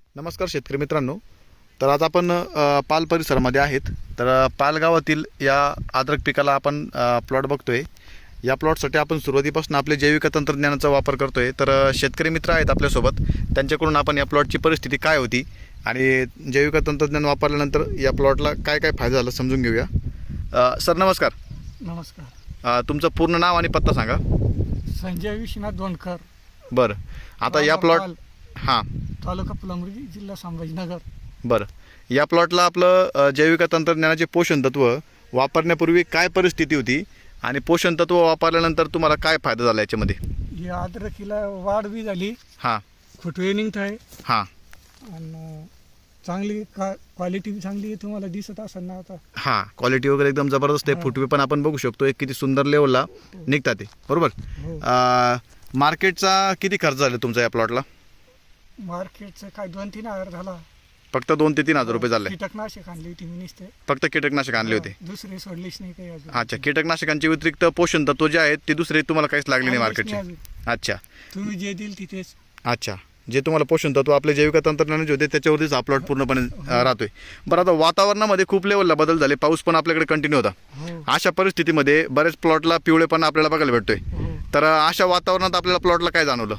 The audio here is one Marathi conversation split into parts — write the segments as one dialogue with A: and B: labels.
A: नमस्कार शेतकरी मित्रांनो. तर आज आपण पाल परिसरामध्ये आहेत. तर पाल गावातील या अद्रक पिकाला आपण प्लॉट बघतोय. या प्लॉटसाठी आपण सुरुवातीपासून आपले जैविक तंत्रज्ञानाचा वापर करतोय. तर शेतकरी मित्र आहेत आपल्यासोबत, त्यांच्याकडून आपण या प्लॉटची परिस्थिती काय होती आणि जैविक तंत्रज्ञान वापरल्यानंतर या प्लॉटला काय काय फायदा झाला समजून घेऊया. सर नमस्कार.
B: नमस्कार.
A: तुमचं पूर्ण नाव आणि पत्ता सांगा.
B: संजय विश्वनाथ दोनकर,
A: बरं. आता या प्लॉट हां
B: तालुका फुलंब्री, जिल्हा संभाजीनगर.
A: बरं. या प्लॉटला आपलं जैविक तंत्रज्ञानाचे पोषण तत्व वापरण्यापूर्वी काय परिस्थिती होती आणि पोषण तत्व वापरल्यानंतर तुम्हाला काय फायदा झाला याच्यामध्ये?
B: या अद्रकीला वाढ बी झाली,
A: हां
B: फुटवे निघत आहे
A: हां
B: आणि चांगली क्वालिटी बी चांगली आहे. तुम्हाला दिसत असेल ना आता.
A: हां क्वालिटी वगैरे एकदम जबरदस्त आहे. फुटवे पण आपण बघू शकतो एक किती सुंदर लेवलला निघतात ते, बरोबर.
B: हो.
A: मार्केटचा किती खर्च झाला तुमचा या प्लॉटला?
B: मार्केटचं काय 2-3 हजार झाला.
A: फक्त 2 ते 3 हजार रुपये झाले.
B: कीटकनाशक आणली होती मी नुसते.
A: फक्त कीटकनाशक आणले होते.
B: दुसरे सोडलीच नाही काही अजून.
A: अच्छा, कीटकनाशकांच्या व्यतिरिक्त पोषण तत्व जे आहेत ते दुसरे तुम्हाला काहीच लागले नाही
B: आणलीच
A: मार्केटचे?
B: नाही अजून.
A: अच्छा
B: तुम्ही जे देईल तिथेच.
A: अच्छा, जे तुम्हाला पोषण तत्व आपले जैविक तंत्रज्ञानाचे होते त्याच्यावरतीच हा प्लॉट पूर्णपणे राहतोय. बरं, आता वातावरणामध्ये खूप लेवलला बदल झाले, पाऊस पण आपल्याकडे कंटिन्यू होता.
B: हो.
A: अशा परिस्थितीमध्ये बरेच प्लॉटला पिवळेपणा आपल्याला बघायला भेटतोय.
B: हो.
A: तर अशा वातावरणात आपल्याला प्लॉटला काय जाणवलं?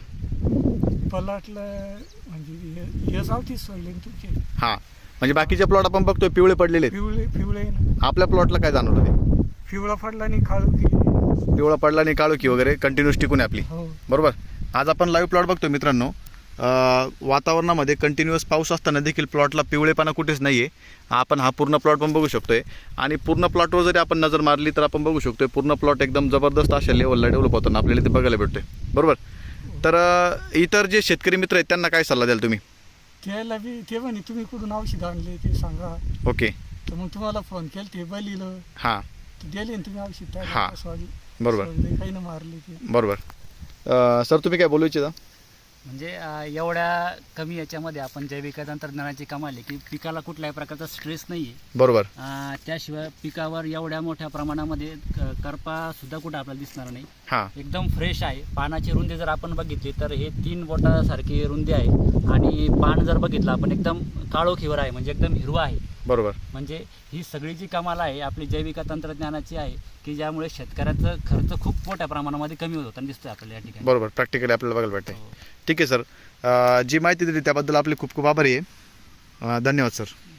B: पलाटलं म्हणजे हे सावतीच सोडले तुमचे.
A: हां, म्हणजे बाकीचे प्लॉट आपण बघतोय पिवळे पडलेले आहेत.
B: पिवळे पिवळे ना.
A: आपल्या प्लॉटला काय जाणवलं ते?
B: पिवळा पडला आणि काळू की.
A: पिवळा पडला आणि काळोखी वगैरे कंटिन्यूस टिकून आहे आपली,
B: हो.
A: बरोबर. आज आपण लाईव्ह प्लॉट बघतोय मित्रांनो. वातावरणामध्ये कंटिन्युअस पाऊस असताना देखील प्लॉटला पिवळेपणा कुठेच नाही आहे. आपण हा पूर्ण प्लॉट पण बघू शकतोय आणि पूर्ण प्लॉटवर जरी आपण नजर मारली तर आपण बघू शकतोय पूर्ण प्लॉट एकदम जबरदस्त अशा लेवलला डेव्हलप होताना आपल्याला ते बघायला भेटतोय, बरोबर. तर इतर जे शेतकरी मित्र आहेत त्यांना काय सल्ला द्याल तुम्ही?
B: त्याला बी ते म्हणे तुम्ही कुठून औषध आणले ते सांगा.
A: ओके.
B: तर मग तुम्हाला फोन केला, ते बलिलं
A: हां
B: दिले ना तुम्ही औषध.
A: हा. बरोबर.
B: काही ना मारले ते.
A: बरोबर. सर तुम्ही काय बोलू इच्छिता?
C: म्हणजे एवढ्या कमी याच्यामध्ये आपण जैविक तंत्रज्ञानाची कमाल आहे की पिकाला कुठल्याही प्रकारचा स्ट्रेस नाही आहे.
A: बरोबर.
C: त्याशिवाय पिकावर एवढ्या मोठ्या प्रमाणामध्ये करपा सुद्धा कुठं आपल्याला दिसणार नाही.
A: हां
C: एकदम फ्रेश आहे. पानाची रुंदी जर आपण बघितली तर हे 3 बोटासारखी रुंदी आहे आणि पान जर बघितलं आपण एकदम काळोखीवर आहे, म्हणजे एकदम हिरवा आहे.
A: बरोबर.
C: म्हणजे ही सगळी जी कमाल आहे आपली जैविक तंत्रज्ञानाची आहे की ज्यामुळे शेतकऱ्याचा खर्च खूप मोठ्या प्रमाणामध्ये कमी होताना दिसतोय आपल्याला या ठिकाणी.
A: बरोबर, प्रॅक्टिकली आपल्याला बघायला भेटते.
C: हो.
A: ठीक आहे सर, जी माहिती दिली त्याबद्दल आपले खूप खूप आभारी आहे. धन्यवाद सर.